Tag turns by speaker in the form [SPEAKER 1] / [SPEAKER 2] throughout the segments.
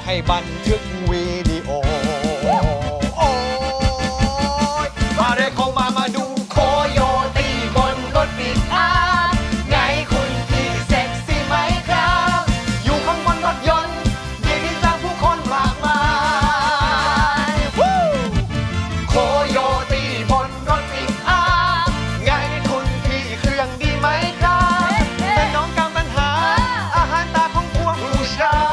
[SPEAKER 1] ให้บันทึกวิดีโอโอ้ยมาเรียกเขามาดูโคโยตี้บนรถปิกอัพไงคุณพี่เซ็กซี่ไหมครับอยู่ข้างบนรถยนต์มีที่จ้างผู้คนมากมายโคโยตี้บนรถปิกอัพไงคุณพี่เครื่องดีไหมครับแต่น้องกำลังหาอาหารตาของพวกผู้ชาย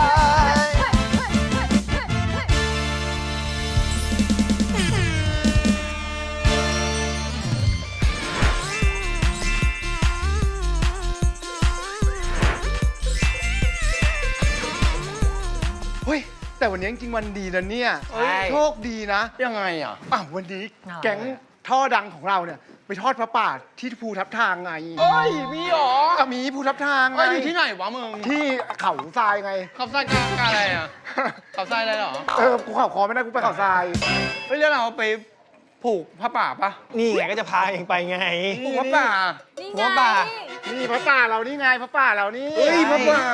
[SPEAKER 2] เฮ้ยแต่วันนี้จริงๆวันดีนะเนี่ย
[SPEAKER 1] ใช่
[SPEAKER 2] โชคดีนะ
[SPEAKER 1] ยังไงอ่ะ
[SPEAKER 2] วันนี้แก๊งท่อดังของเราเนี่ยไปทอดพระป่าที่ภูทับทางไง
[SPEAKER 1] เอ้ยมีหรอ
[SPEAKER 2] มีภูทับทางไง
[SPEAKER 1] อยู่ที่ไหนวะมึง
[SPEAKER 2] ที่เขาทรายไง
[SPEAKER 1] ขับไส้กาอะไรอ่ะขับไส้อะไรหรอ
[SPEAKER 2] กูเข่าคอไม่ได้กูไปเขาทราย
[SPEAKER 1] เฮ้ยแล้วเราไปผูกผ้าป่าปะ
[SPEAKER 3] นี่ไงก็จะพาเองไปไง
[SPEAKER 1] ผูกผ้าป่า
[SPEAKER 4] นี่
[SPEAKER 3] หัวป่า
[SPEAKER 2] นี่พระป่าเรานี่ไงพระป่าเรานี่
[SPEAKER 1] เฮ้ยผ้าป่า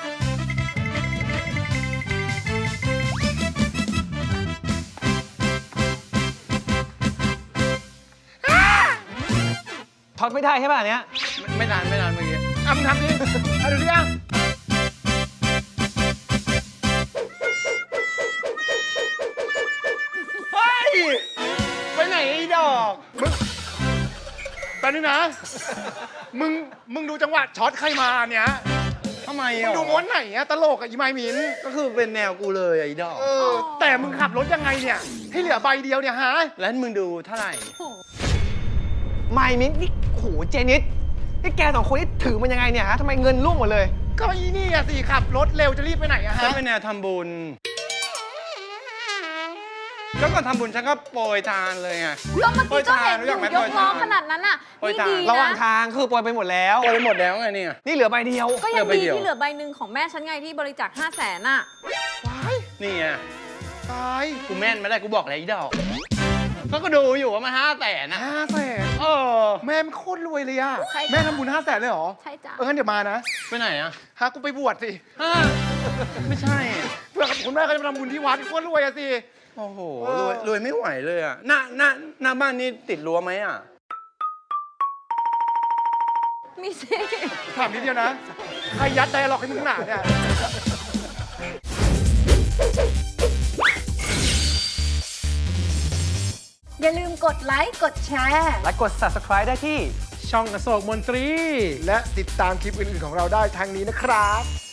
[SPEAKER 3] ช็อตไม่ได้ใช่ป่ะอันเนี้ย
[SPEAKER 1] ไม่นานเมื่อกี้
[SPEAKER 2] มึงทำดิเอาดูดิอ่ะ
[SPEAKER 1] เฮ้ยไปไหนไอ้ดอก
[SPEAKER 2] แป๊บนึงนะ มึงดูจังหวะช็อตใครมาเนี่ย
[SPEAKER 1] ทำไม
[SPEAKER 2] มึ
[SPEAKER 1] อ่ะ
[SPEAKER 2] งดูม้วนไหนอะตลกอะอีไมมิน
[SPEAKER 1] ก็คือเป็นแนวกูเลยไอ้ดอก
[SPEAKER 2] แต่มึงขับรถยังไงเนี่ยให้เหลือใบเดียวเนี่ยฮะ
[SPEAKER 1] แล้วมึงดูเท่าไหร่
[SPEAKER 3] ไม่มิ้นนี่โหเจนิสนี่แกสองคนนี่ถือมันยังไงเนี่ยฮะทำไมเงินร่วงหมดเลย
[SPEAKER 2] ก็อีนี่อะสิขับรถเร็วจะรีบไปไหนอะ
[SPEAKER 1] ฉั
[SPEAKER 2] ฮะ
[SPEAKER 1] นเป็นแนวทำบุญก็ก่อนทำบุญฉันก็โปรยทานเลยไง
[SPEAKER 4] ก็เมื่อกี้ก็เห็น
[SPEAKER 1] รู้
[SPEAKER 4] อ
[SPEAKER 1] จั
[SPEAKER 4] ยู่
[SPEAKER 1] กไหม
[SPEAKER 4] ยกล้อ
[SPEAKER 1] โปรยทาน
[SPEAKER 4] ขนาดนั้นน่ะ
[SPEAKER 1] โปรย
[SPEAKER 4] นี่
[SPEAKER 1] ทาน
[SPEAKER 4] ดี
[SPEAKER 3] ระหว่าง
[SPEAKER 4] นะ
[SPEAKER 3] ทางคือโปรยไปหมดแล้ว
[SPEAKER 1] โปรยหมดแล้วไงเนี่ย
[SPEAKER 3] นี่เหลือใบเดียว
[SPEAKER 4] ก็ยัง
[SPEAKER 1] เหลือใบ
[SPEAKER 4] ดี
[SPEAKER 1] เดียว
[SPEAKER 4] ที่เหลือใบหนึ่งของแม่ฉันไงที่บริจาค500,000น่ะ
[SPEAKER 2] ว้าย
[SPEAKER 1] นี่ไง
[SPEAKER 2] ตาย
[SPEAKER 1] กูแม่นไม่ได้กูบอกแล้วไอ้ดอกก็ดูอยู่ว่ามัน500,000นะ
[SPEAKER 2] 500,000
[SPEAKER 1] เออ
[SPEAKER 2] แม่มันโคตรรวยเลยอะ
[SPEAKER 4] ใช่จ้ะ
[SPEAKER 2] แม่ทำบุญ500,000เลยเหรอ
[SPEAKER 4] ใช่จ้ะ
[SPEAKER 2] งั้นเดี๋ยวมานะ
[SPEAKER 1] ไปไหนอ่ะ
[SPEAKER 2] ฮะกูไปบวชสิ
[SPEAKER 1] ฮะไม่ใช่
[SPEAKER 2] เพื่อคุณแม่เขาจะมาทำบุญที่วัดโคตรรวยอะสิ
[SPEAKER 1] โอ้โหรวยไม่ไหวเลยอ่ะหน้าบ้านนี่ติดรั้วไหมอ่ะ
[SPEAKER 4] มีสิ
[SPEAKER 2] ถามนิดเดียวนะใครยัดไดอะล็อกให้มึงหนาเนี่ย
[SPEAKER 4] อย่าลืมกดไลค์กดแชร์
[SPEAKER 3] และกด subscribe ได้ที่
[SPEAKER 2] ช่องอโศกมนตรี และติดตามคลิปอื่นๆของเราได้ทางนี้นะครับ